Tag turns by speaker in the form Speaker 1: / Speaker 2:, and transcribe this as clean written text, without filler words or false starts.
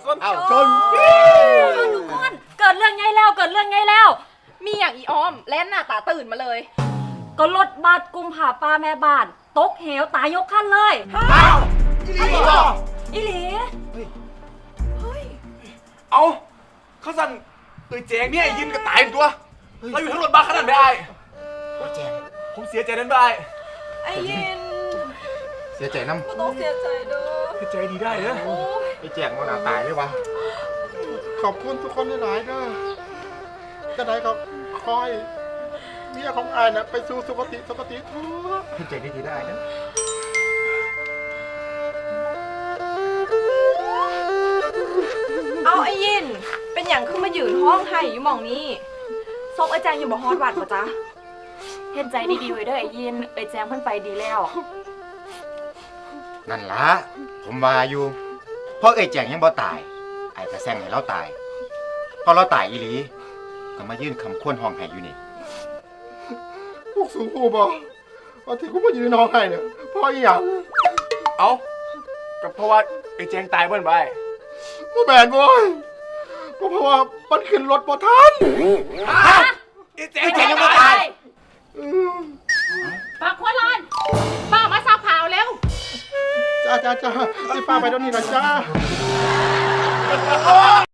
Speaker 1: ชน
Speaker 2: ทุกคนเกิดเรื่องไงแล้ว
Speaker 3: มีอย่างอีออมแล่นหน้าตาตื่นมาเลย
Speaker 2: ก็รถบัสกุมผาป้าแม่บ้านตกเหวตายยกคันเลย
Speaker 1: อ้าวอีหลีบ่
Speaker 2: อีหลี
Speaker 1: เอาเขาสั่นแจงเนี่ยยินก็ตายตัวเราอยู่ทั้งรถบัสขนาดไม่ได้แจงผมเสียใจนั้นไป
Speaker 3: ไอ้ยิน
Speaker 4: เสียใจน้ำ
Speaker 3: ก็ต้องเสียใจเด้อ
Speaker 1: ใจดีได้เนอะ
Speaker 4: ไอ้แจกมันตายเลยวะขอบคุณทุกคนหลายๆเด้อจะได้ก็คอยเมียของอายนะไปสู่สุคติทั่วให้ใจดีๆได้นะ
Speaker 3: เอาไอ้ยินเป็นอย่างขึ้นมายืนห้องไห้อยู่หม่องนี้ซกไอ้แจงอยู่บ่ฮอดวัดป่ะจ๊ะ
Speaker 2: เห็นใจดีๆไว้เด้อไอ้ยินแจงเพิ่นไปดีแล้ว
Speaker 4: นั่นละผมว่าอยู่เพราะไอ้แจงยังบ่ตายไอ้จะแซงให้เราตายพอเราตายอีหลีก็มายื่นคำควรห้องให้อยู่นี่พวกสูงกูบอกว่าที่กูมายืนห้องให้เนี่ยเพราะอีหยัง
Speaker 1: เอาก็เพราะว่าแจงตายเบิ้ลไป
Speaker 4: บ่แม่นบ่ก็เพราะว่ามันขึ้นรถบ่ทัน
Speaker 1: แจงยังไม่ตาย
Speaker 2: ปากหัวลานป้ามาซักผ้าเร็ว
Speaker 4: จ้าสิฟ้าไปเดี๋ยวนี้ล่ะจ้า
Speaker 1: โอ้ย